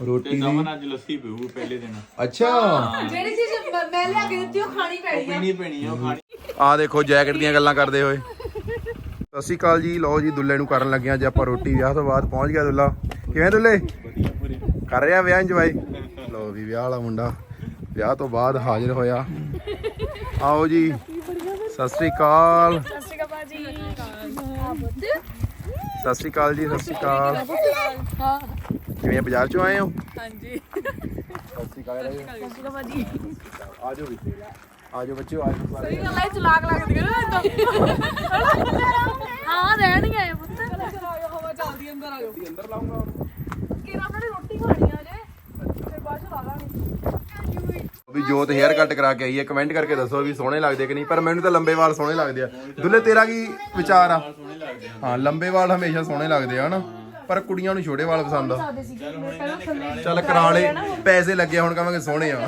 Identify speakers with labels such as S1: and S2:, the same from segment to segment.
S1: ਰੋਟੀ ਦੀ
S2: ਦਮਨ ਅੱਜ ਲੱਸੀ ਪੀਊ ਪਹਿਲੇ ਦਿਨ।
S1: ਅੱਛਾ
S3: ਜਿਹੜੀ ਚੀਜ਼ ਮੈਂ ਲਿਆ ਕੇ ਦਿੱਤੀ ਉਹ ਖਾਣੀ ਪੈਣੀ ਆ।
S2: ਪੀਣੀ ਪੈਣੀ ਆ ਉਹ ਖਾਣੀ।
S1: ਆ ਦੇਖੋ ਜੈਕਟ ਦੀਆਂ ਗੱਲਾਂ ਕਰਦੇ ਹੋਏ। ਸਤਿ ਸ਼੍ਰੀ ਅਕਾਲ ਜੀ। ਲਓ ਜੀ ਦੁੱਲੇ ਨੂੰ ਕਰਨ ਲੱਗੇ ਅੱਜ ਆਪਾਂ ਰੋਟੀ। ਵਿਆਹ ਤੋਂ ਬਾਅਦ ਪਹੁੰਚ ਗਿਆ ਦੁੱਲਾ। ਕਿਵੇਂ ਦੁੱਲੇ ਕਰ ਰਿਹਾ ਵਿਆਹ ਇੰਜੋਏ? ਲਓ ਵੀ ਵਿਆਹ ਵਾਲਾ ਮੁੰਡਾ ਵਿਆਹ ਤੋਂ ਬਾਅਦ ਹਾਜ਼ਰ ਹੋਇਆ। ਆਓ ਜੀ ਸਤਿ ਸ਼੍ਰੀ ਅਕਾਲ।
S4: ਸਤਿ ਸ਼੍ਰੀ ਅਕਾਲ ਭਾਜੀ।
S1: ਸਤਿ ਸ਼੍ਰੀ ਅਕਾਲ ਜੀ। ਸਤਿ ਸ਼੍ਰੀ ਅਕਾਲ।
S4: ਹਾਂ
S1: ਕਿਵੇਂ ਬਾਜ਼ਾਰ ਚੋਂ ਆਏ ਹੋ?
S4: ਹਾਂਜੀ।
S1: ਸਤਿ ਸ਼੍ਰੀ ਅਕਾਲ
S4: ਭਾਜੀ
S1: ਆਜੋ ਵੀ ਆਜੋ ਬੱਚਿਓ ਆਜੋ।
S4: ਸਹੀ ਗੱਲ ਹੈ ਚਲਾਕ ਲੱਗਦੀ ਹੈ ਨਾ ਇਦਾਂ। ਹਾਂ ਰਹਿਣਗੇ ਪੁੱਤ। ਹਵਾ ਚੱਲਦੀ ਅੰਦਰ ਆ ਜਾਓ।
S1: ਅੰਦਰ ਲਾਉਂਗਾ
S4: ਕਿਰਾ ਆਪਣੀ ਰੋਟੀ ਖਾਣੀ ਆ ਜੇ ਫਿਰ ਬਾਅਦ ਚ ਲਾ ਲਾਂਗੇ।
S1: ਵੀ ਜੋਤ ਹੇਅਰ ਕੱਟ ਕਰਾ ਕੇ ਆਈ ਹੈ। ਕਮੈਂਟ ਕਰਕੇ ਦੱਸੋ ਵੀ ਸੋਹਣੇ ਲੱਗਦੇ ਕਿ ਨਹੀਂ। ਪਰ ਮੈਨੂੰ ਤਾਂ ਲੰਬੇ ਵਾਲ ਸੋਹਣੇ ਲੱਗਦੇ ਆ। ਦੁੱਲੇ ਤੇਰਾ ਕੀ ਵਿਚਾਰ ਆ? ਹਾਂ ਲੰਬੇ ਵਾਲ ਹਮੇਸ਼ਾ ਸੋਹਣੇ ਲੱਗਦੇ ਆ ਹਨਾ, ਪਰ ਕੁੜੀਆਂ ਨੂੰ ਛੋਟੇ ਵਾਲ ਪਸੰਦ ਆ। ਚੱਲ ਕਰਾ ਲੈ, ਪੈਸੇ ਲੱਗੇ ਹੁਣ ਕਹਾਂਗੇ ਸੋਹਣੇ ਆ।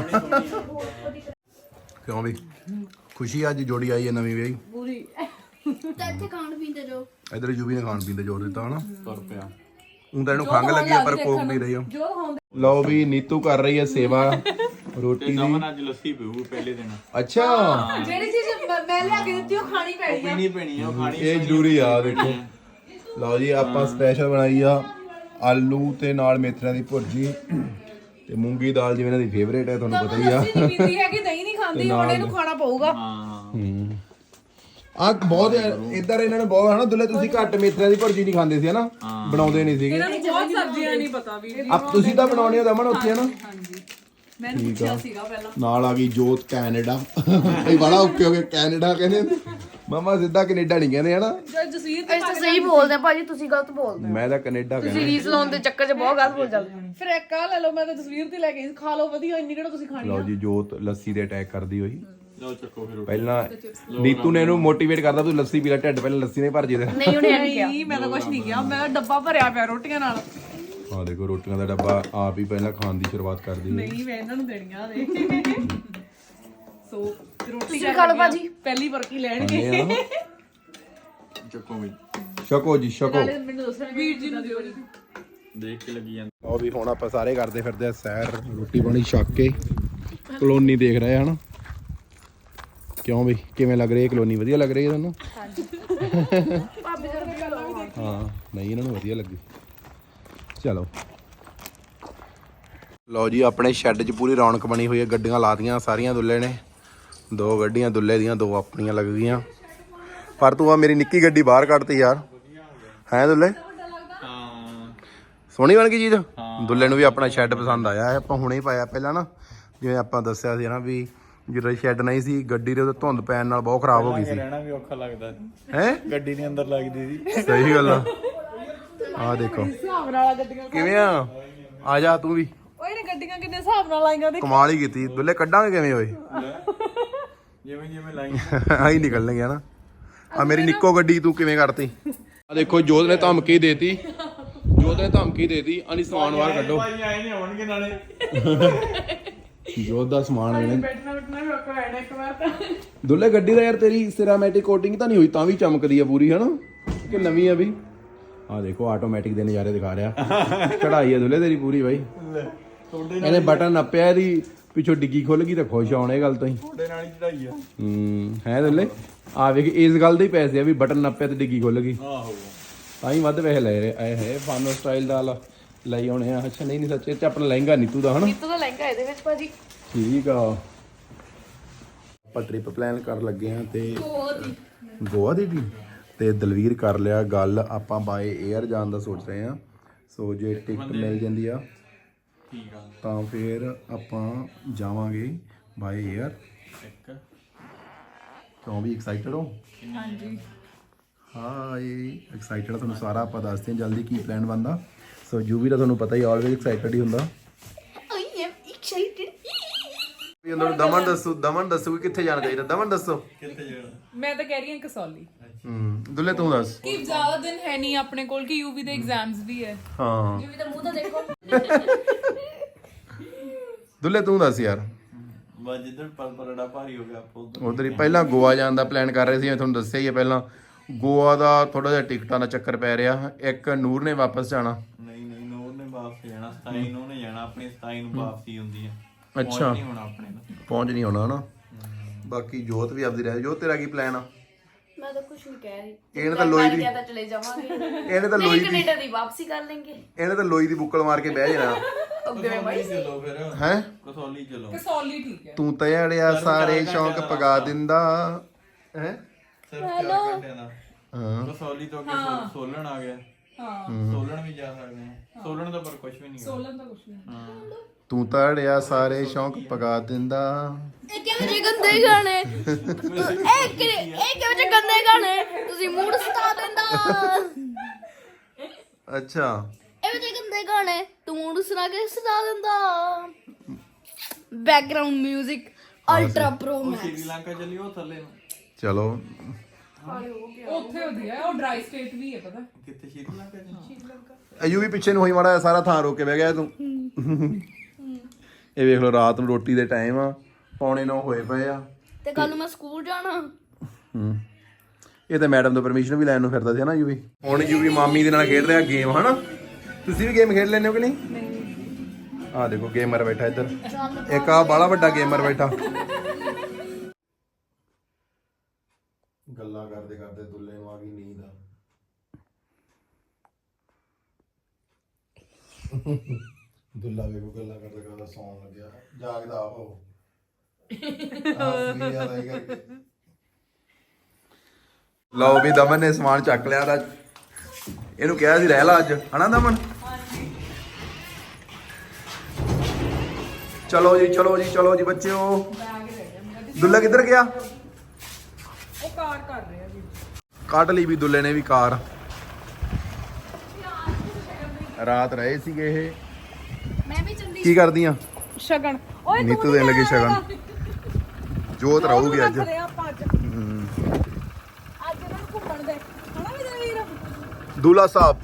S1: ਕਿਉਂ ਵੀ ਖੁਸ਼ੀ ਅੱਜ ਜੋੜੀ ਆਈ ਹੈ ਨਵੀਂ ਵਿਆਹੀ।
S4: ਪੂਰੀ
S3: ਤਾਂ ਇੱਥੇ ਖਾਣ ਪੀਂਦੇ ਜੋ
S1: ਇਧਰ ਜੂਬੀ ਨੇ ਖਾਣ ਪੀਣ ਤੇ ਜ਼ੋਰ ਦਿੱਤਾ ਹਨਾ।
S2: ਤੁਰ ਪਿਆ।
S1: ਤਾਂ ਇਹਨੂੰ ਖੰਘ ਲੱਗੀ ਆ ਪਰ ਕੋਕ ਪੀ ਰਹੀ ਆ। ਲਓ ਵੀ ਨੀਤੂ ਕਰ ਰਹੀ ਹੈ ਸੇਵਾ ਰੋਟੀ ਦੀ।
S2: ਦਮਨ ਅੱਜ ਲੱਸੀ ਪੀਊ ਪਹਿਲੇ ਦਿਨ।
S1: ਅੱਛਾ
S3: ਜਿਹੜੀ ਚੀਜ਼ ਮੈਂ ਲਿਆ ਕੇ ਦਿੱਤੀ ਉਹ ਖਾਣੀ ਪੈਣੀ ਆ।
S2: ਪੀਣੀ ਪੈਣੀ ਆ ਉਹ ਖਾਣੀ।
S1: ਇਹ ਜ਼ਰੂਰੀ ਆ ਦੇਖੋ। ਲਓ ਜੀ ਆਪਾਂ ਸਪੈਸ਼ਲ ਬਣਾਈ ਆ ਆਲੂ ਤੇ ਨਾਲ ਮੇਥਰਿਆਂ ਦੀ ਭੁਰਜੀ ਤੇ ਮੂੰਗੀ ਦਾਲ ਜਿਵੇਂ ਇਹਨਾਂ ਦੀ ਫੇਵਰੇਟ ਹੈ ਤੁਹਾਨੂੰ ਪਤਾ ਹੀ ਆ।
S3: ਲੱਸੀ ਨਹੀਂ ਪੀਂਦੀ ਹੈਗੀ, ਦਹੀਂ ਨਹੀਂ ਖਾਂਦੀ, ਹੁਣ ਇਹਨੂੰ ਖਾਣਾ ਪਊਗਾ।
S2: ਹਾਂ
S1: ਆ ਬਹੁਤ ਇਧਰ ਇਹਨਾਂ ਨੂੰ ਬਹੁਤ ਹਨਾ ਦੁੱਲੇ ਤੁਸੀਂ ਘੱਟ ਮੇਥਰਿਆਂ ਦੀ ਭੁਰਜੀ ਨਹੀਂ ਖਾਂਦੇ ਸੀ ਹਨਾ, ਬਣਾਉਂਦੇ ਨਹੀਂ ਸੀਗੇ।
S4: ਇਹਨਾਂ ਨੂੰ ਬਹੁਤ ਸਬਜ਼ੀਆਂ ਨਹੀਂ ਪਤਾ ਵੀ।
S1: ਆਪ ਤੁਸੀਂ ਤਾਂ ਬਣਾਉਣੇ ਹੋ ਦਮਨ ਉੱਥੇ ਹਨਾ।
S4: ਹਾਂਜੀ ਮੈਨੂੰ ਪੁੱਛਿਆ ਸੀਗਾ ਪਹਿਲਾਂ।
S1: ਨਾਲ ਆ ਗਈ ਜੋਤ ਕੈਨੇਡਾ। ਇਹ ਬੜਾ ਓਕੇ ਹੋ ਗਿਆ ਕੈਨੇਡਾ ਕਹਿੰਦੇ। ਮਮਾ ਸਿੱਧਾ ਕੈਨੇਡਾ ਨਹੀਂ ਕਹਿੰਦੇ ਹਨਾ।
S4: ਜਸਵੀਰ ਤੇ ਤਾਂ ਸਹੀ ਬੋਲਦੇ ਆ ਭਾਜੀ, ਤੁਸੀਂ ਗਲਤ ਬੋਲਦੇ
S1: ਮੈਂ ਤਾਂ ਕੈਨੇਡਾ ਕਹਿੰਦਾ।
S4: ਰੀਸ ਲਾਉਣ ਦੇ ਚੱਕਰ 'ਚ ਬਹੁਤ ਗਲਤ ਬੋਲ ਜਾਂਦੇ।
S3: ਫਿਰ ਇੱਕ ਆ ਲੈ ਲਓ, ਮੈਂ ਤਾਂ ਤਸਵੀਰ ਤੇ ਲੈ ਕੇ ਖਾ ਲਓ ਵਧੀਆ, ਇੰਨੀ ਕਿਹੜਾ ਤੁਸੀਂ ਖਾਣੀ
S1: ਲਓ ਜੀ ਜੋਤ ਲੱਸੀ ਤੇ ਅਟੈਕ ਕਰਦੀ ਹੋਈ।
S2: ਲਓ ਚੱਕੋ ਫਿਰ।
S1: ਪਹਿਲਾਂ ਨੀਤੂ ਨੇ ਇਹਨੂੰ ਮੋਟੀਵੇਟ ਕਰਦਾ ਤੂੰ ਲੱਸੀ ਪੀ ਲੈ, ਢਿੱਡ ਪਹਿਲਾਂ ਲੱਸੀ ਨੇ ਭਰ ਜੇ ਤੇਰਾ।
S4: ਨਹੀਂ ਉਹਨੇ ਨਹੀਂ ਕਿਹਾ।
S3: ਨਹੀਂ ਮੈਂ ਤਾਂ ਕੁਝ ਨਹੀਂ ਕਿਹਾ, ਮੈਂ ਡੱਬਾ ਭਰਿਆ ਪਿਆ ਰੋਟੀਆਂ ਨਾਲ।
S1: ਆ ਦੇਖੋ ਰੋਟੀਆਂ ਦਾ ਡੱਬਾ ਆਪ ਹੀ ਪਹਿਲਾਂ ਖਾਣ ਦੀ ਸ਼ੁਰੂਆਤ ਕਰਦੀ ਹੈ।
S3: ਨਹੀਂ ਮੈਂ ਇਹਨਾਂ ਨੂੰ ਦੇਣੀਆਂ ਨੇ। ਸੋ ਰੋਟੀ
S4: ਖਾ ਲਓ ਭਾਜੀ।
S3: ਪਹਿਲੀ ਵਰਕੀ ਲੈਣਗੇ।
S2: ਚੱਕੋ ਵੀ
S1: ਛਕੋ ਜੀ ਛਕੋ।
S3: ਮੈਨੂੰ ਦੱਸਣ ਵੀਰ ਜੀ ਨੂੰ ਦਿਓ ਜੀ।
S2: ਦੇਖ ਕੇ ਲੱਗੀ ਜਾਂਦਾ।
S1: ਉਹ ਵੀ ਹੁਣ ਆਪਾਂ ਸਾਰੇ ਕਰਦੇ ਫਿਰਦੇ ਆ ਸੈਰ, ਰੋਟੀ ਪਾਣੀ ਛਕ ਕੇ ਕਲੋਨੀ ਦੇਖ ਰਹੇ ਹਨ। ਕਿਉਂ ਬਈ ਕਿਵੇਂ ਲੱਗ ਰਹੀ ਹੈ ਕਲੋਨੀ? ਵਧੀਆ ਲੱਗ ਰਹੀ ਹੈ ਤੁਹਾਨੂੰ?
S4: ਭਾਬੀ ਜਰ ਵੀ ਗੱਲਾਂ ਵੀ ਦੇਖ।
S1: ਹਾਂ ਨਹੀਂ ਇਹਨਾਂ ਨੂੰ ਵਧੀਆ ਲੱਗੀ। ਚਲੋ ਲਓ ਜੀ ਆਪਣੇ ਸ਼ੈੱਡ 'ਚ ਪੂਰੀ ਰੌਣਕ ਬਣੀ ਹੋਈ ਹੈ। ਗੱਡੀਆਂ ਲਾਤੀਆਂ ਸਾਰੀਆਂ ਦੁੱਲੇ ਨੇ। 2 ਗੱਡੀਆਂ ਦੁੱਲੇ ਦੀਆਂ, 2 ਆਪਣੀਆਂ ਲੱਗ ਗਈਆਂ। ਪਰ ਤੂੰ ਆ ਮੇਰੀ ਨਿੱਕੀ ਗੱਡੀ ਬਾਹਰ ਕੱਢਤੀ ਯਾਰ। ਹੈ ਦੁੱਲੇ
S2: ਹਾਂ
S1: ਸੋਹਣੀ ਬਣ ਗਈ ਚੀਜ਼। ਦੁੱਲੇ ਨੂੰ ਵੀ ਆਪਣਾ ਸ਼ੈੱਡ ਪਸੰਦ ਆਇਆ ਹੈ। ਆਪਾਂ ਹੁਣੇ ਹੀ ਪਾਇਆ ਪਹਿਲਾਂ ਨਾ, ਜਿਵੇਂ ਆਪਾਂ ਦੱਸਿਆ ਸੀ ਨਾ ਵੀ ਜਿਹੜਾ ਸ਼ੈੱਡ ਨਹੀਂ ਸੀ ਗੱਡੀ ਦੇ ਉੱਤੇ ਧੁੰਦ ਪੈਣ ਨਾਲ ਬਹੁਤ ਖਰਾਬ ਹੋ ਗਈ ਸੀ।
S2: ਰਹਿਣਾ ਵੀ ਔਖਾ ਲੱਗਦਾ
S1: ਹੈ
S2: ਗੱਡੀ ਦੇ ਅੰਦਰ ਲੱਗਦੀ ਸੀ।
S1: ਸਹੀ ਗੱਲ ਆ। ਆ ਦੇਖੋ
S3: ਹਿਸਾਬ ਨਾਲ ਗੱਡੀਆਂ
S1: ਕਿਵੇਂ ਆ ਜਾ ਤੂੰ ਵੀ।
S3: ਓਏ ਨੇ ਗੱਡੀਆਂ ਕਿੰਨੇ ਹਿਸਾਬ ਨਾਲ ਆਈਆਂ ਦੇ।
S1: ਕਮਾਲ ਹੀ ਕੀਤੀ ਦੁੱਲੇ। ਕੱਢਾਂਗੇ ਕਿਵੇਂ ਓਏ?
S2: ਜਿਵੇਂ ਜਿਵੇਂ ਲਾਈ
S1: ਆਹੀ ਨਿਕਲਣਗੇ ਹਨਾ। ਆ ਮੇਰੀ ਨਿੱਕੋ ਗੱਡੀ ਤੂੰ ਕਿਵੇਂ ਕਰਤੀ? ਆ ਦੇਖੋ ਜੋਤ ਨੇ ਧਮਕੀ ਦੇਤੀ। ਜੋਤ ਨੇ ਧਮਕੀ ਦੇਤੀ ਅਨੀ ਸਮਾਨ ਬਾਹਰ ਕੱਢੋ।
S2: ਭਾਈ ਆਏ ਨਹੀਂ ਆਉਣਗੇ ਨਾਲੇ।
S1: ਜੋਤ ਦਾ ਸਮਾਨ ਇਹਨੇ
S3: ਬੈਠਣਾ ਵੀ ਔਖਾ ਹੋਣਾ ਇੱਕ ਵਾਰ ਤਾਂ।
S1: ਦੁੱਲੇ ਗੱਡੀ ਦਾ ਯਾਰ ਤੇਰੀ ਸਿਰਾਮੈਟਿਕ ਕੋਟਿੰਗ ਤਾਂ ਨਹੀਂ ਹੋਈ ਤਾਂ ਵੀ ਚਮਕਦੀ ਆ ਪੂਰੀ ਹਨਾ ਕਿ ਨਵੀਂ ਆ ਵੀ? ਆ ਦੇਖੋ ਆਟੋਮੈਟਿਕ ਦੇ ਨਜ਼ਾਰੇ ਦਿਖਾ ਰਿਹਾ। ਚੜਾਈ ਆ ਦੁੱਲੇ ਤੇਰੀ ਪੂਰੀ ਬਾਈ। ਇਹਨੇ ਬਟਨ ਨੱਪਿਆ, ਇਹਦੀ ਪਿੱਛੋਂ ਡਿੱਗੀ ਖੁੱਲ ਗਈ ਤਾਂ ਖੁਸ਼ ਆਉਣ ਇਹ ਗੱਲ ਤੋਂ ਹੀ।
S2: ਤੁਹਾਡੇ ਨਾਲ ਹੀ ਚੜਾਈ ਆ।
S1: ਹੈ ਦੁੱਲੇ ਆ ਵੇਖ ਇਸ ਗੱਲ ਦੇ ਹੀ ਪੈਸੇ ਆ ਵੀ ਬਟਨ ਨੱਪਿਆ ਤੇ ਡਿੱਗੀ ਖੁੱਲ ਗਈ।
S2: ਆਹੋ
S1: ਤਾਂ ਹੀ ਵੱਧ ਪੈਸੇ ਲੈ ਰਹੇ ਆਏ ਹੈ। ਫਾਨੋ ਸਟਾਈਲ ਦਾ ਲਈ ਆਉਣੇ ਆ। ਅੱਛਾ ਨਹੀਂ ਸੱਚੇ ਚ ਆਪਣਾ ਲਹਿੰਗਾ ਨੀਤੂ ਦਾ ਹਨਾ।
S4: ਨੀਤੂ ਦਾ ਲਹਿੰਗਾ ਇਹਦੇ ਵਿੱਚ ਭਾਜੀ।
S1: ਠੀਕ ਆ। ਆਪਾਂ ਟ੍ਰਿਪ ਪਲਾਨ ਕਰਨ ਲੱਗੇ ਆ ਤੇ ਗੋਆ ਦੀ ਵੀ ਤੇ ਦਲਵੀਰ ਕਰ ਲਿਆ ਗੱਲ। ਆਪਾਂ ਬਾਏ 에ਅਰ ਜਾਣ ਦਾ ਸੋਚ ਰਹੇ ਆ। ਸੋ ਜੇ ਟਿਕਟ ਮਿਲ ਜਾਂਦੀ ਆ
S2: ਠੀਕ ਆ
S1: ਤਾਂ ਫਿਰ ਆਪਾਂ ਜਾਵਾਂਗੇ ਬਾਏ 에ਅਰ। ਕਿਉਂ ਵੀ ਐਕਸਾਈਟਡ ਹੋ?
S4: ਹਾਂਜੀ
S1: ਹਾਂ ਇਹ ਐਕਸਾਈਟਡ ਆ। ਤੁਹਾਨੂੰ ਸਾਰਾ ਆਪਾਂ ਦੱਸਦੇ ਹਾਂ ਜਲਦੀ ਕੀ ਪਲਾਨ ਬਣਦਾ। ਸੋ ਜੂਵੀ ਦਾ ਤੁਹਾਨੂੰ ਪਤਾ ਹੀ ਆਲਵੇਜ਼ ਐਕਸਾਈਟਡ ਹੀ ਹੁੰਦਾ।
S3: I am excited.
S1: ਵੀ ਉਹਨਾਂ ਨੂੰ ਦਮਨ ਦੱਸੋ ਕਿ ਕਿੱਥੇ ਜਾਣਾ ਚਾਹੀਦਾ। ਦਮਨ ਦੱਸੋ।
S2: ਕਿੱਥੇ ਜਾਣਾ?
S3: ਮੈਂ ਤਾਂ ਕਹਿ ਰਹੀ ਹਾਂ ਕਸੌਲੀ।
S1: ਦੁੱਲੇ ਤੂੰ ਦੱਸ।
S3: ਕਿ ਜ਼ਿਆਦਾ ਦਿਨ ਹੈ ਨਹੀਂ ਆਪਣੇ ਕੋਲ ਕਿ ਯੂਵੀ ਦੇ ਐਗਜ਼ਾਮਸ ਵੀ ਹੈ।
S1: ਹਾਂ
S4: ਜਿਵੇਂ ਤਾਂ ਮੂੰਹ ਤਾਂ ਦੇਖੋ।
S1: ਦੁੱਲੇ ਤੂੰ ਦੱਸ ਯਾਰ।
S2: ਬਸ ਜਿੱਦਣ ਪਰੜਾ ਭਾਰੀ ਹੋ ਗਿਆ ਆਪਾਂ
S1: ਉਧਰ ਹੀ ਪਹਿਲਾਂ ਗੋਆ ਜਾਣ ਦਾ ਪਲਾਨ ਕਰ ਰਹੇ ਸੀ। ਮੈਂ ਤੁਹਾਨੂੰ ਦੱਸਿਆ ਹੀ ਹੈ ਪਹਿਲਾਂ ਗੋਆ ਦਾ ਥੋੜਾ ਜਿਹਾ ਟਿਕਟਾਂ ਦਾ ਚੱਕਰ ਪੈ ਰਿਹਾ। ਇੱਕ ਨੂਰ ਨੇ ਵਾਪਸ ਜਾਣਾ।
S2: ਨਹੀਂ ਨੂਰ ਨੇ ਵਾਪਸ ਜਾਣਾ 27 ਨੂੰ ਉਹਨੇ ਜਾਣਾ, ਆਪਣੀ 27 ਨੂੰ ਵਾਪਸੀ ਹੁੰਦੀ ਆ।
S1: ਅੱਛਾ।
S2: ਨਹੀਂ ਹੋਣਾ ਆਪਣੇ ਨੂੰ।
S1: ਪਹੁੰਚ ਨਹੀਂ ਹੋਣਾ ਨਾ। ਬਾਕੀ ਜੋਤ ਵੀ ਆਪਦੀ ਰਹਿ। ਜੋਤ ਤੇਰਾ ਕੀ ਪਲਾਨ ਆ?
S5: मैं तो कुछ नहीं कह रही।
S1: ਇਹਨੇ ਤਾਂ ਲੋਈ ਦੀ
S5: क्या चले जावांगे।
S1: ਇਹਨੇ ਤਾਂ ਲੋਈ
S5: नहीं
S1: ਦੀ
S5: कनेडा दी वापसी कर लेंगे।
S1: ਇਹਨੇ ਤਾਂ ਲੋਈ ਦੀ ਬੁੱਕਲ ਮਾਰ ਕੇ ਬਹਿ ਜਾਣਾ
S2: ਕਸੌਲੀ ਚਲੋ ਫਿਰ।
S1: ਹੈ।
S2: ਕਸੌਲੀ ਚਲੋ।
S3: ਕਸੌਲੀ ਠੀਕ ਹੈ।
S1: ਤੂੰ ਤਾਂ ਅੜਿਆ ਸਾਰੇ ਸ਼ੌਂਕ ਪਗਾ ਦਿੰਦਾ ਹੈ।
S2: ਸਿਰਫ 4 ਘੰਟਿਆਂ ਦਾ।
S1: ਹਾਂ
S2: ਕਸੌਲੀ ਤੋਂ ਅੱਗੇ ਸੋਲਣ ਆ ਗਿਆ।
S3: ਹਾਂ
S2: ਸੋਲਣ ਵੀ ਜਾ ਸਕਦੇ ਆ। ਸੋਲਣ ਦਾ ਪਰ ਕੁਝ ਵੀ ਨਹੀਂ।
S3: ਸੋਲਨ ਦਾ ਕੁਝ ਨਹੀਂ।
S2: ਹਾਂ।
S1: ਤੂੰ ਤਾਂ ਅੜਿਆ ਸਾਰੇ ਸ਼ੌਂਕ ਪਗਾ ਦਿੰਦਾ।
S5: ਇਹ ਕਿਹੋ ਜਿਹੇ ਗੰਦੇ ਗਾਣੇ ਇਹ ਕਿਹੋ ਜਿਹੇ ਗੰਦੇ ਗਾਣੇ ਤੁਸੀਂ ਮੂਡ ਸਤਾ ਦਿੰਦਾ।
S1: ਅੱਛਾ
S5: ਇਹੋ ਜਿਹੇ ਗੰਦੇ ਗਾਣੇ ਤੂੰ ਮੂਡ ਸੁਣਾ ਕੇ ਸਤਾ ਦਿੰਦਾ। Background 뮤직 ultra pro max.
S2: Sri Lanka ਚੱਲੀ ਉਹ ਥੱਲੇ ਨੂੰ।
S1: ਚਲੋ
S3: ਉੱਥੇ ਵਧੀਆ ਹੈ, ਉਹ ਡਰਾਈ ਸਟੇਟ ਵੀ ਹੈ ਪਤਾ।
S2: ਕਿੱਥੇ ਸ਼੍ਰੀਲੰਕਾ ਚ?
S1: ਅਯੂ ਵੀ ਪਿੱਛੇ ਨੂੰ ਹੋਈ ਮਾੜਾ ਜਿਹਾ, ਸਾਰਾ ਥਾਂ ਰੋਕ ਕੇ ਬਹਿ ਗਿਆ ਤੂੰ। ਇਹ ਵੇਖ ਲਓ ਰਾਤ ਨੂੰ ਰੋਟੀ ਦੇ ਟਾਈਮ ਆ, 8:45 ਹੋਏ ਪਏ ਆ
S5: ਤੇ ਕੱਲ ਨੂੰ ਮੈਂ ਸਕੂਲ ਜਾਣਾ।
S1: ਇਹ ਤਾਂ ਮੈਡਮ ਤੋਂ ਪਰਮਿਸ਼ਨ ਵੀ ਲੈਣ ਨੂੰ ਫਿਰਦਾ ਸੀ ਨਾ ਯੂਵੀ। ਹੁਣ ਯੂਵੀ ਮਾਮੀ ਦੇ ਨਾਲ ਖੇਡ ਰਿਹਾ ਗੇਮ, ਹਨਾ? ਤੁਸੀਂ ਵੀ ਗੇਮ ਖੇਡ ਲੈਂਦੇ ਹੋ ਕਿ ਨਹੀਂ? ਆਹ ਦੇਖੋ ਗੇਮਰ ਬੈਠਾ ਇੱਧਰ, ਇੱਕ ਆ ਬਾਲਾ ਵੱਡਾ ਗੇਮਰ ਬੈਠਾ। ਗੱਲਾਂ ਕਰਦੇ ਕਰਦੇ ਦੁੱਲੇ ਨੂੰ ਆ ਗਈ ਨੀਂਦ ਆ। ਦੁੱਲਾ ਵੇਖੋ ਗੱਲਾਂ ਕਰਦੇ ਕਰਦੇ ਸੌਣ ਲੱਗਿਆ, ਜਾਗਦਾ ਆਪ ਉਹ। ਲਓ ਵੀ ਦਮਨ ਨੇ ਸਮਾਨ ਚੱਕ ਲਿਆ ਦਾ। ਇਹਨੂੰ ਕਿਹਾ ਸੀ ਰਹਿ ਲਾ ਅੱਜ, ਹਨਾ ਦਮਨ? ਚਲੋ ਜੀ ਚਲੋ ਜੀ ਚਲੋ ਜੀ ਬੱਚਿਓ। ਦੁੱਲਾ ਕਿੱਧਰ ਗਿਆ?
S3: ਉਹ ਕਾਰ ਕਰ ਰਿਹਾ ਜੀ।
S1: ਕੱਢ ਲਈ ਵੀ ਦੁੱਲੇ ਨੇ ਵੀ ਕਾਰ। ਰਾਤ ਰਹੇ ਸੀਗੇ ਇਹ।
S5: ਮੈਂ ਵੀ ਚੰਦੀ
S1: ਕੀ ਕਰਦੀਆਂ?
S3: ਸ਼ਗਨ
S1: ਨੀਤੂ ਦੇਣ ਲੱਗੀ ਸ਼ਗਨ। ਜੋਤ ਰਹੂਗੀ ਅੱਜ।
S3: ਆਪਾਂ ਅੱਜ ਇਹਨਾਂ ਨੂੰ ਘੁੰਮਣ ਦੇ ਹਨਾ ਵੀ ਵੀਰ।
S1: ਦੁੱਲਾ ਸਾਹਿਬ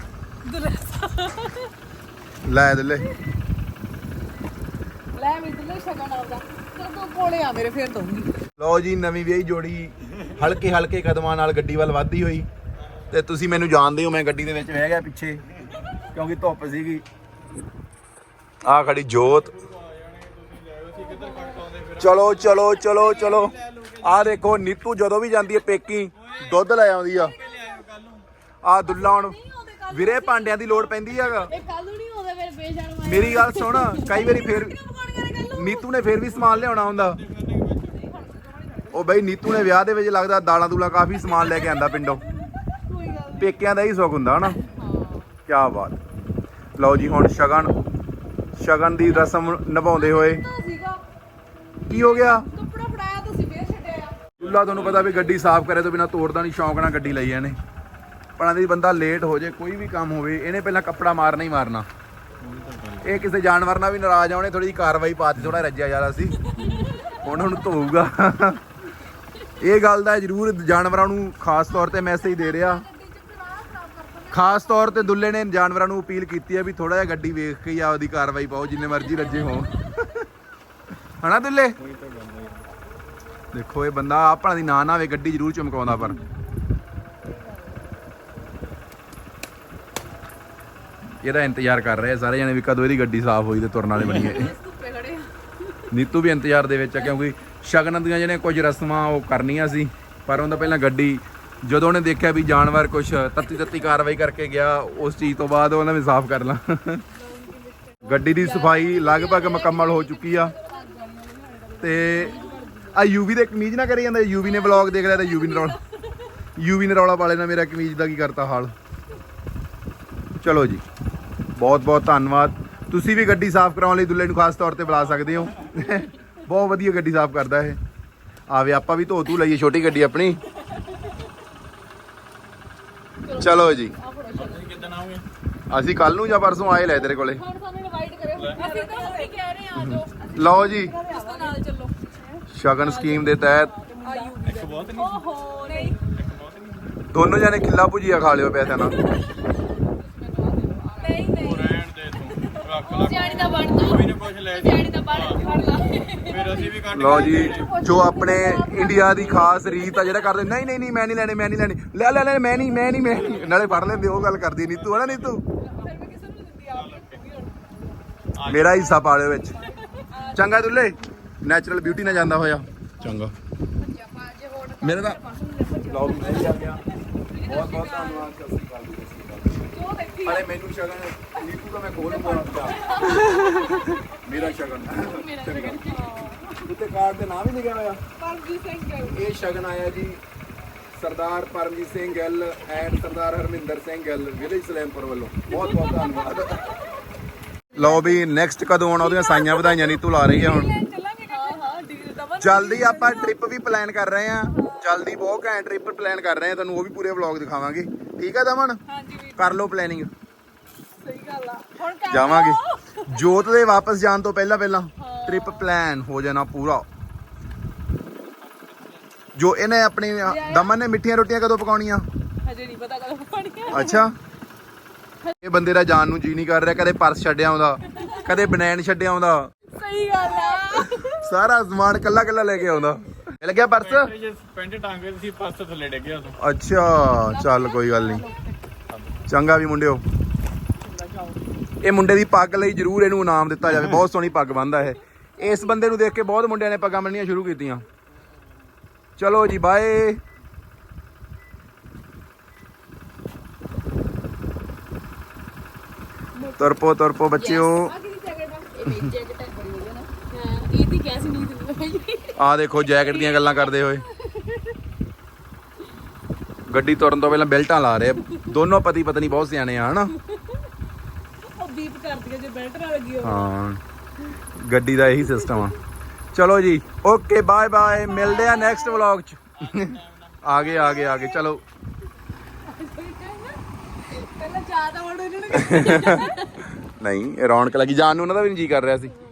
S1: ਲੈ ਦੁੱਲੇ
S3: ਲੈ ਵੀ ਦੁੱਲੇ ਸ਼ਗਨ ਆਉਂਦਾ। ਤੂੰ ਕੋਲੇ ਆ ਮੇਰੇ, ਫੇਰ ਦਊਂਗੀ।
S1: ਲਓ ਜੀ ਨਵੀਂ ਵਿਆਹੀ ਜੋੜੀ ਹਲਕੇ ਹਲਕੇ ਕਦਮਾਂ ਨਾਲ ਗੱਡੀ ਵੱਲ ਵੱਧਦੀ ਹੋਈ। ਤੇ ਤੁਸੀਂ ਮੈਨੂੰ ਜਾਣਦੇ ਹੋ, ਮੈਂ ਗੱਡੀ ਦੇ ਵਿੱਚ ਰਹਿ ਗਿਆ ਪਿੱਛੇ ਕਿਉਂਕਿ ਧੁੱਪ ਸੀਗੀ। ਆ ਖੜੀ ਜੋਤ। ਚਲੋ ਚਲੋ ਚਲੋ ਚਲੋ। ਆ ਦੇਖੋ ਨੀਤੂ ਜਦੋਂ ਵੀ ਜਾਂਦੀ ਹੈ ਪੇਕੀ ਦੁੱਧ ਲੈ ਆਉਂਦੀ ਆ। ਆ ਦੁੱਲਾ ਹੁਣ ਵੀਰੇ ਭਾਂਡਿਆਂ ਦੀ ਲੋੜ ਪੈਂਦੀ ਹੈਗਾ।
S5: ਇਹ ਕੱਲ ਨੂੰ ਨਹੀਂ ਆਉਂਦਾ ਮੇਰੇ ਬੇਸ਼ਰਮ।
S1: ਮੇਰੀ ਗੱਲ ਸੁਣ, ਕਈ ਵਾਰੀ ਫੇਰ ਨੀਤੂ ਨੇ ਫੇਰ ਵੀ ਸਮਾਨ ਲਿਆਉਣਾ ਹੁੰਦਾ। ਉਹ ਬਈ ਨੀਤੂ ਨੇ ਵਿਆਹ ਦੇ ਵਿੱਚ ਲੱਗਦਾ ਦਾਲਾਂ ਦੂਲਾਂ ਕਾਫੀ ਸਮਾਨ ਲੈ ਕੇ ਆਂਦਾ ਪਿੰਡੋਂ। ਪੇਕਿਆਂ ਦਾ ਹੀ ਸੁੱਖ ਹੁੰਦਾ ਹਨਾ। ਕਿਆ ਬਾਤ। ਲਓ ਜੀ ਹੁਣ ਸ਼ਗਨ ਦੀ ਰਸਮ ਨਿਭਾਉਂਦੇ ਹੋਏ। ਕੀ ਹੋ ਗਿਆ?
S3: ਕੱਪੜਾ ਫੜਾਇਆ ਤੁਸੀਂ ਫੇਰ ਛੱਡਿਆ।
S1: ਦੁੱਲਾ ਤੁਹਾਨੂੰ ਪਤਾ ਵੀ ਗੱਡੀ ਸਾਫ਼ ਕਰੇ ਤੋਂ ਬਿਨਾ ਤੋੜਦਾ ਨਹੀਂ। ਸ਼ੌਂਕ ਨਾਲ ਗੱਡੀ ਲਈ ਇਹਨੇ। ਪਰ ਦੀ ਬੰਦਾ ਲੇਟ ਹੋ ਜੇ ਕੋਈ ਵੀ ਕੰਮ ਹੋਵੇ, ਇਹਨੇ ਪਹਿਲਾਂ ਕੱਪੜਾ ਮਾਰਨਾ ਹੀ ਮਾਰਨਾ। ਇਹ ਕਿਸੇ ਜਾਨਵਰ ਨਾਲ ਵੀ ਨਾਰਾਜ਼ ਆ, ਉਹਨੇ ਥੋੜੀ ਜਿਹੀ ਕਾਰਵਾਈ ਪਾਤੀ, ਥੋੜਾ ਰੱਜਿਆ ਜ਼ਿਆਦਾ ਸੀ। ਹੁਣ ਉਹਨੂੰ ਧੋਊਗਾ। ਇਹ ਗੱਲ ਦਾ ਜ਼ਰੂਰ ਜਾਨਵਰਾਂ ਨੂੰ ਖਾਸ ਤੌਰ ਤੇ ਮੈਸੇਜ ਦੇ ਰਿਹਾ। ਖਾਸ ਤੌਰ ਤੇ ਦੁੱਲੇ ਨੇ ਜਾਨਵਰਾਂ ਨੂੰ ਅਪੀਲ ਕੀਤੀ ਹੈ ਵੀ ਥੋੜਾ ਜਿਹਾ ਗੱਡੀ ਵੇਖ ਕੇ ਹੀ ਆਪਦੀ ਕਾਰਵਾਈ ਪਾਓ, ਜਿੰਨੇ ਮਰਜ਼ੀ ਰੱਜੇ ਹੋਣ। ਹਨਾ ਦੁੱਲੇ? ਦੇਖੋ ਇਹ ਬੰਦਾ ਆਪਣਾ ਦੀ ਨਾ ਹੋਵੇ ਗੱਡੀ ਜ਼ਰੂਰ ਚਮਕਾਉਂਦਾ। ਪਰ ਇਹਦਾ ਇੰਤਜ਼ਾਰ ਕਰ ਰਹੇ ਸਾਰੇ ਜਣੇ ਵੀ ਕਦੋਂ ਇਹਦੀ ਗੱਡੀ ਸਾਫ਼ ਹੋਈ ਤੇ ਤੁਰਨ ਵਾਲੇ ਬਣੀਏ। ਨੀਤੂ ਵੀ ਇੰਤਜ਼ਾਰ ਦੇ ਵਿੱਚ ਆ ਕਿਉਂਕਿ ਸ਼ਗਨ ਦੀਆਂ ਜਿਹੜੀਆਂ ਕੁਝ ਰਸਮਾਂ ਉਹ ਕਰਨੀਆਂ ਸੀ। ਪਰ ਉਹਦਾ ਪਹਿਲਾਂ ਗੱਡੀ ਜਦੋਂ ਉਹਨੇ ਦੇਖਿਆ ਵੀ ਜਾਨਵਰ ਕੁਛ ਤੱਤੀ ਕਾਰਵਾਈ ਕਰਕੇ ਗਿਆ, ਉਸ ਚੀਜ਼ ਤੋਂ ਬਾਅਦ ਉਹਨਾਂ ਵੀ ਸਾਫ਼ ਕਰ ਲਾਂ। ਗੱਡੀ ਦੀ ਸਫਾਈ ਲਗਭਗ ਮੁਕੰਮਲ ਹੋ ਚੁੱਕੀ ਆ। ਤੇ ਆ ਯੂਵੀ ਦੇ ਕਮੀਜ਼ ਨਾ ਕਰੀ ਜਾਂਦਾ। ਯੂਵੀ ਨੇ ਵਲੌਗ ਦੇਖ ਲਿਆ ਤੇ ਯੂਵੀ ਨੇ ਰੌਲਾ ਪਾਲੇ ਨਾਲ ਮੇਰਾ ਕਮੀਜ਼ ਦਾ ਕੀ ਕਰਤਾ ਹਾਲ। ਚਲੋ ਜੀ ਬਹੁਤ ਬਹੁਤ ਧੰਨਵਾਦ। ਤੁਸੀਂ ਵੀ ਗੱਡੀ ਸਾਫ਼ ਕਰਾਉਣ ਲਈ ਦੁੱਲੇ ਨੂੰ ਖਾਸ ਤੌਰ ਤੇ ਬੁਲਾ ਸਕਦੇ ਹੋ। ਬਹੁਤ ਵਧੀਆ ਗੱਡੀ ਸਾਫ਼ ਕਰਦਾ ਇਹ। ਆਵੇ ਆਪਾਂ ਵੀ ਧੋ ਧੂ ਲਈਏ ਛੋਟੀ ਗੱਡੀ ਆਪਣੀ। ਚਲੋ ਜੀ
S2: ਕਿੱਦਣ ਆਓਗੇ?
S1: ਅਸੀਂ ਕੱਲ ਨੂੰ ਜਾਂ ਪਰਸੋਂ ਆਏ ਲੈ ਤੇਰੇ ਕੋਲੇ।
S5: ਹੁਣ ਸਾਨੂੰ ਇਨਵਾਈਟ ਕਰਿਓ।
S3: ਅਸੀਂ ਤਾਂ ਉਹੀ ਕਹਿ ਰਹੇ ਆ, ਆ ਜਾਓ
S1: ਲਓ ਜੀ
S3: ਇਸ ਤੋਂ ਨਾਲ ਚੱਲੋ।
S1: ਸ਼ਗਨ ਸਕੀਮ ਦੇ ਤਹਿਤ
S3: ਆ ਯੂਵੀ ਦਾ।
S2: ਬਹੁਤ ਨਹੀਂ।
S3: ਓਹੋ ਨਹੀਂ
S1: ਦੋਨੋਂ ਜਾਨੇ ਖਿੱਲਾ ਭੁਜੀਆ ਖਾ ਲਿਓ ਪੈਸਿਆਂ ਨਾਲ।
S3: ਨਹੀਂ
S2: ਰਹਿਣ ਦੇ ਤੂੰ। ਰੱਖ ਲਾ।
S5: ਸਿਆਣੀ ਦਾ ਬਣ ਤੂੰ।
S2: ਕੋਈ ਨਾ ਕੁਛ ਲੈ ਜੀ।
S5: ਸਿਆਣੀ ਦਾ ਬਣ ਫੜ ਲਾ।
S2: ਫਿਰ ਅਸੀਂ ਵੀ ਕੱਢ
S1: ਲਓ ਜੀ ਜੋ ਆਪਣੇ ਇੰਡੀਆ ਦੀ ਖਾਸ ਰੀਤ ਆ ਜਿਹੜਾ ਕਰਦੇ ਨਹੀਂ ਨਹੀਂ ਨਹੀਂ ਮੈਂ ਨਹੀਂ ਲੈਣੇ ਲੈ ਲੈ ਲੈ ਮੈਂ ਨਹੀਂ ਨਾਲੇ ਫੜ ਲੈਂਦੇ। ਉਹ ਗੱਲ ਕਰਦੀ ਨੀਤੂ ਹਨਾ ਨੀਤੂ?
S3: ਫਿਰ ਮੈਂ ਕਿਸੇ ਨੂੰ ਨਹੀਂ ਦਿੰਦੀ, ਆਪ ਹੀ ਰੱਖੂਗੀ ਹੁਣ।
S1: ਮੇਰਾ ਹਿੱਸਾ ਪਾ ਲਿਓ ਵਿੱਚ। ਚੰਗਾ ਦੁੱਲੇ, ਨੈਚੁਰਲ ਬਿਊਟੀ ਨਾਲ ਜਾਂਦਾ ਹੋਇਆ ਚੰਗਾ। ਮੇਰਾ ਤਾਂ ਵਲੌਗ ਮੈਂ ਹੀ ਆ ਗਿਆ। ਬਹੁਤ ਬਹੁਤ ਧੰਨਵਾਦ। ਸਤਿ ਸ਼੍ਰੀ ਅਕਾਲ ਜੀ। ਅਰੇ ਮੈਨੂੰ ਸ਼ਗਨ ਨੀਤੂ ਦਾ ਮੈਂ ਖੋਲੂੰਗਾ ਮੇਰਾ ਸ਼ਗਨ ਉੱਤੇ ਕਾਰਡ ਤੇ ਨਾਮ ਹੀ ਲਿਖਿਆ ਹੋਇਆ
S4: ਪਰਮਜੀਤ ਸਿੰਘ ਗਿੱਲ।
S1: ਇਹ ਸ਼ਗਨ ਆਇਆ ਜੀ ਸਰਦਾਰ ਪਰਮਜੀਤ ਸਿੰਘ ਗਿੱਲ ਐਂਡ ਸਰਦਾਰ ਹਰਮਿੰਦਰ ਸਿੰਘ ਗਿੱਲ ਵਿਲੇਜ ਸਲੈਮਪੁਰ ਵੱਲੋਂ। ਬਹੁਤ ਬਹੁਤ ਧੰਨਵਾਦ। ਲਓ ਵੀ ਨੈਕਸਟ ਕਦੋਂ ਆਉਣਾ ਉਹਦੀਆਂ ਸਾਈਆਂ ਵਧਾਈਆਂ ਨੀਤੂ ਲਾ ਰਹੀ ਹੈ ਹੁਣ।
S4: ਚੱਲਾਂਗੇ ਹਾਂ ਡਿਗਰੀ ਦਾ
S1: ਜਲਦੀ ਆਪਾਂ ਟ੍ਰਿਪ ਵੀ ਪਲਾਨ ਕਰ ਰਹੇ ਹਾਂ। ਜਲਦੀ ਬਹੁਤ ਘੈਂਟ ਟ੍ਰਿਪ ਪਲਾਨ ਕਰ ਰਹੇ ਹਾਂ, ਤੁਹਾਨੂੰ ਉਹ ਵੀ ਪੂਰੇ ਵਲੌਗ ਦਿਖਾਵਾਂਗੇ। ਠੀਕ ਹੈ ਦਮਨ,
S4: ਹਾਂਜੀ ਵੀਰ
S1: ਕਰ ਲਓ ਪਲੈਨਿੰਗ।
S4: ਸਹੀ ਗੱਲ ਆ। ਹੁਣ ਕਰ
S1: ਜਾਵਾਂਗੇ ਜੋਤ ਦੇ ਵਾਪਸ ਜਾਣ ਤੋਂ ਪਹਿਲਾਂ ਟ੍ਰਿਪ ਪਲਾਨ ਹੋ ਜਾਣਾ ਪੂਰਾ। ਜੋ ਇਹਨੇ ਆਪਣੀ ਦਮਨ ਨੇ ਮਿੱਠੀਆਂ ਰੋਟੀਆਂ ਕਦੋਂ ਪਕਾਉਣੀਆਂ?
S4: ਹਜੇ ਨਹੀਂ ਪਤਾ ਕਦੋਂ ਪਾਣੀ
S1: ਅੱਛਾ, ਇਹ ਬੰਦੇ ਦਾ ਜਾਣ ਨੂੰ ਜੀ ਨਹੀਂ ਕਰ ਰਿਹਾ। ਕਦੇ ਪਰਸ ਛੱਡਿਆ ਆਉਂਦਾ, ਕਦੇ ਬਨੈਣ ਛੱਡਿਆ ਆਉਂਦਾ,
S4: ਸਹੀ ਗੱਲ ਆ।
S1: ਸਾਰਾ ਸਮਾਨ ਕੱਲਾ ਕੱਲਾ ਲੈ ਕੇ ਆਉਂਦਾ। ਮਿਲ ਗਿਆ ਪਰਸ?
S2: ਪੈਂਟ ਟਾਂਗੇ ਸੀ ਪਰਸ ਥੱਲੇ ਡਿੱਗ ਗਿਆ
S1: ਅੱਛਾ ਚੱਲ ਕੋਈ ਗੱਲ ਨਹੀਂ। ਚੰਗਾ ਵੀ ਮੁੰਡਿਓ, ਇਹ ਮੁੰਡੇ ਦੀ ਪੱਗ ਲਈ ਜਰੂਰ ਇਹਨੂੰ ਇਨਾਮ ਦਿੱਤਾ ਜਾਵੇ। ਬਹੁਤ ਸੋਹਣੀ ਪੱਗ ਬੰਨ੍ਹਦਾ ਇਹ। ਇਸ ਬੰਦੇ ਨੂੰ ਦੇਖ ਕੇ ਬਹੁਤ ਮੁੰਡਿਆਂ ਨੇ ਪੱਗਾਂ ਬੰਨ੍ਹਣੀਆਂ ਸ਼ੁਰੂ ਕੀਤੀਆਂ। ਚਲੋ ਜੀ ਬਾਏ। ਤੁਰਪੋ ਬੱਚਿਓ।
S4: ਇਹ ਤੇ ਕਿਹਾ ਸੀ ਨਹੀਂ ਦਿੰਦਾ
S1: ਆਹ ਦੇਖੋ ਜੈਕਟ ਦੀਆਂ ਗੱਲਾਂ ਕਰਦੇ ਹੋਏ ਗੱਡੀ ਤੁਰਨ ਤੋਂ ਪਹਿਲਾਂ ਬੈਲਟਾਂ ਲਾ ਰਹੇ। ਦੋਨੋਂ ਪਤੀ ਪਤਨੀ ਬਹੁਤ ਸਿਆਣੇ ਆ ਹਨਾ।
S4: ਉਹ ਬੀਪ ਕਰਦੀ ਜੇ ਬੈਲਟ ਨਾਲ ਲੱਗੀ ਹੋਵੇ।
S1: ਹਾਂ, ਗੱਡੀ ਦਾ ਇਹੀ ਸਿਸਟਮ ਆ। ਚਲੋ ਜੀ ਓਕੇ ਬਾਏ ਬਾਏ, ਮਿਲਦੇ ਆ ਨੈਕਸਟ ਵਲੌਗ ਚ। ਆ ਗਏ ਚਲੋ।
S4: ਪਹਿਲਾਂ ਜ਼ਿਆਦਾ ਵੜ ਇਹਨਾਂ ਨੇ
S1: ਨਹੀਂ ਰੌਣਕ ਲੱਗੀ, ਜਾਣ ਨੂੰ ਉਹਨਾਂ ਦਾ ਵੀ ਨਹੀਂ ਜੀ ਕਰ ਰਿਹਾ ਸੀ।